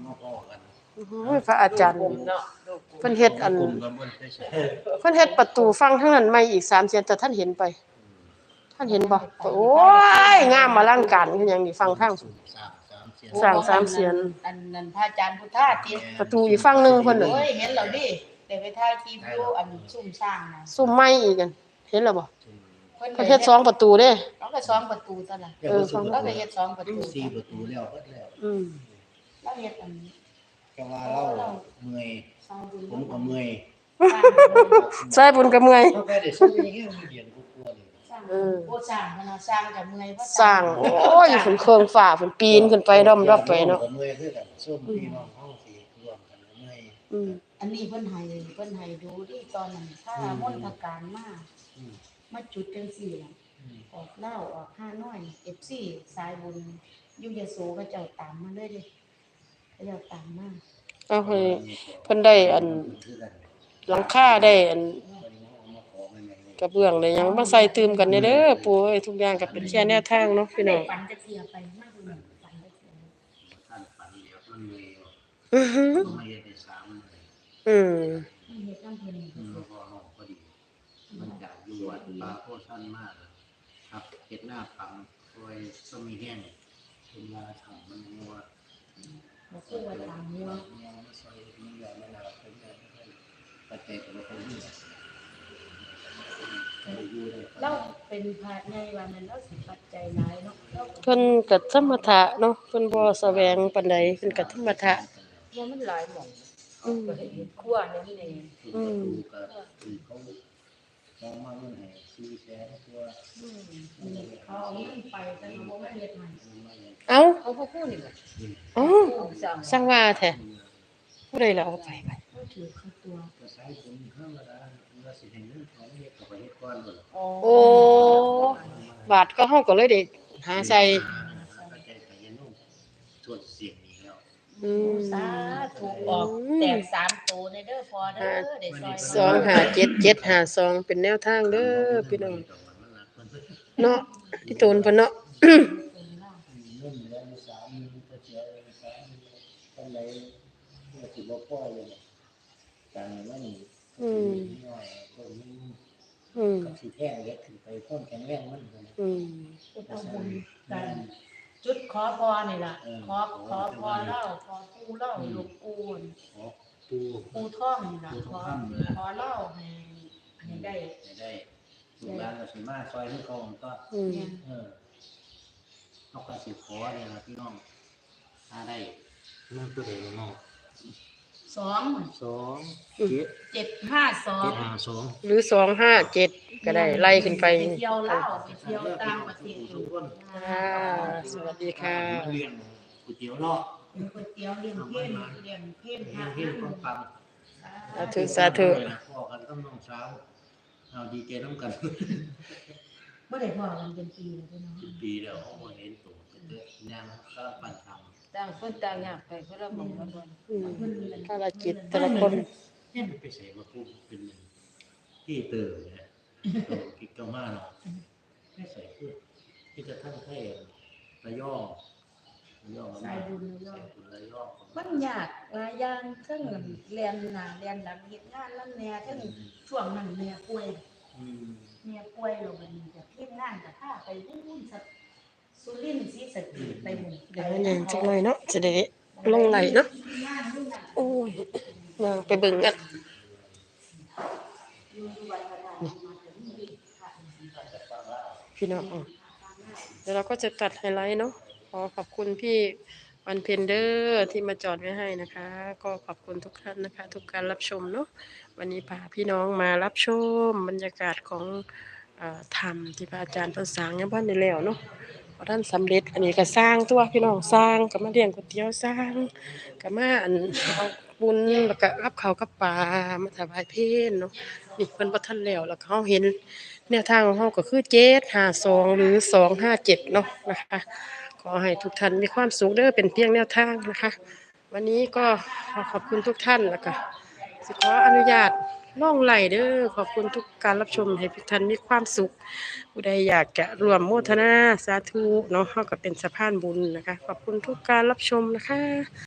มาพ้อกันพระอาจารย์เพิ่นเฮ็ดอันเพิ่นเฮ็ดประตูฟังทั้งนั้นใหม่อีก3เสียนแต่ท่านเห็นไปท่านเห็นบ่โอ้ยงามอลังการคือหยังนี่ฟังทางสร้าง3เสียนอันนั้นพระอาจารย์พุทธาติประตูอีกฝั่งนึงเพิ่นน่ะโอ้ยเห็นแล้วดิได้ไปถ่ายคลิปอยู่อันซุ่มสร้างน่ะซุ่มใหม่อีกกันเห็นแล้วบ่เพิ่นเฮ็ด2ประตูเด้แล้วก็2ประตูซั่นล่ะแล้วก็เฮ็ด2ประตู 4ประตูแล้วเบิดแล้วแล้วเฮ็ดอันก็ว่าเราเมื่อยผมก็เมื่อยใส่บุญก็เมื่อยก็ได้ซื้ออย่างเงี้ยมีเหรียญกลัวๆนี่โอ้สร้างมันสร้างก็เมื่อยบ่สร้างโอ้ยเพิ่นเครื่องฟ้าเพิ่นปีนขึ้นไปดอมๆไปเนาะเมื่อยคือกันซุ่มพี่น้องเฮาสิร่วมกันเมื่อยอันนี้เพิ่นให้ดูดิตอนนั้นถ้ามนต์พการมาจุดจังซี่ล่ะออกเล่าออก5น้อย FC สายบุญอยู่ยโสเขาเจ้าตามมาเลยดิเขาเจ้าตามมาเอาให้เพิ่นได้อันหลังคาได้อันกระเบื้องได้หยังมาใส่ตืมกันเด้อปู่เอ้ยทุกอย่างก็เป็นแค่แนวทางเนาะพี่น้องฝันจะเสียไปมากเลยฝันจะเสียท่านฝันเดียวมันเลยไม่ได้3เลยเหตุการณ์เพิ่นพอน้องพอดีมันจากอยู่วัดป่าโพธิ์ท่านมากครับเฮ็ดหน้าปังคอยสมีแห้งเป็นว่าทำมันงัวบ่คือว่าตามหัวมันใส่มันใหญ่มันหนาเป็นใหญ่ปัจจัยก็บ่ค่อยมีเราเป็นพระในวันนั้นเราสิปัจจัยหลายเนาะเพิ่นก็ธรรมทะเนาะเพิ่นบ่แสวงปานใดเพิ่นก็ธรรมทะว่ามันหลายหม่องก็เฮ็ดครัวนั่นนี่ก็คือเขามาเงินให้400,000ตัวเขาเอาเงินไปแต่เขาบ่มาเฮ็ดให้เอ้าเขาบ่พูดนี่บ่อ๋อสั่งว่าแท้ผู้ใดล่ะเอาไปถือเข้าตัวก็ใช้คนธรรมดาว่าสิให้เงินเขาเฮ็ดก็ไปเฮ็ดก่อนบ่โอ้บาทก็เฮาก็เลยได้หาใส่ส่วนเสียงนี้แล้วสาธุออกแตก3ตัวในเด้อพอเด้อได้ซอย257752เป็นแนวทางเด้อพี่น้องเนาะที่ตูนเพิ่นเนาะเงินแล้ว3,000ก็เสีย3,000ปานใดก็สิบ่พอเลยการมันน้อยคนก็สิแท้เล็กขึ้นไปความแข็งแรงมันเอาบุญกันจุดขอพรนี่ล่ะขอพรเล่าขอปู่เล่าหลวงปู่ปู่ท่องนี่ล่ะขอเล่าให้ได้ลูกหลานก็สิมาซอยคือเก่าก็เฮาก็สิขอนี่ล่ะพี่น้องถ้าได้นั่นตัวใดเนาะ 752 หรือ257ก็ได้ไล่ขึ้นไปเที่ยวลาวไปเที่ยวต่างประเทศอยู่สวัสดีค่ะเลี้ยงก๋วยเตี๋ยวเนาะก๋วยเตี๋ยวเลี้ยงเพิ่นความปังสาธุพ่อกันกับน้องสาวเอาดีใจนำกันบ่ได้พ้อกันเป็นปีแล้วพี่น้องปีแล้วบ่เห็นตัวย่างก็ปันทำต่างคนต่างอยากไปคนละหม่องละบ่ภารกิจแต่ละคนไปใส่มาปุ๊บเป็นที่เตอร์เนี่ยกิกามาเนาะไม่ใส่คือที่จะทั้งให้ระย่อสายบุญระย่อมันยากหลายอย่างทั้งเรียนหน้าเรียนหลังเฮ็ดงานนำแน่ทั้งช่วงนั้นแม่ป่วยแล้วบัดนี้ก็เฮ็ดงานก็พาไปวุ่นๆสุรินทร์ศรีสะเกษไปหมู่เดี๋ยวยังจักหน่อยเนาะจะได้ลงไหลเนาะโอ้ยย่างไปเบิ่งกันพี่น้องเดี๋ยวเราก็จะตัดไฮไลท์เนาะขอขอบคุณพี่วันเพ็ญเดอร์ที่มาจอดไว้ให้นะคะก็ขอบคุณทุกท่านนะคะทุกการรับชมเนาะวันนี้พาพี่น้องมารับชมบรรยากาศของธรรมที่พระอาจารย์เพิ่นสร้างยังบ่ได้แล้วเนาะพอท่านสำเร็จอันนี้ก็สร้างตัวพี่น้องสร้างก็มาเลี้ยงก๋วยเตี๋ยวสร้างก็มาเอาบุญแล้วก็รับข้าวกับปลามาถวายเพลเนาะนี่เพิ่นบ่ทันแล้วแล้วก็เฮาเห็นแนวทางของเฮาก็คือ752หรือ257เนาะนะคะขอให้ทุกท่านมีความสุขเด้อเป็นเพียงแนวทางนะคะวันนี้ก็ขอบคุณทุกท่านแล้วก็สิขออนุญาตล่องไหลเด้อขอบคุณทุกการรับชมให้ทุกท่านมีความสุขผู้ใดอยากจะร่วมโมทนาสาธุเนาะเฮาก็เป็นสะพานบุญนะคะขอบคุณทุกการรับชมนะคะ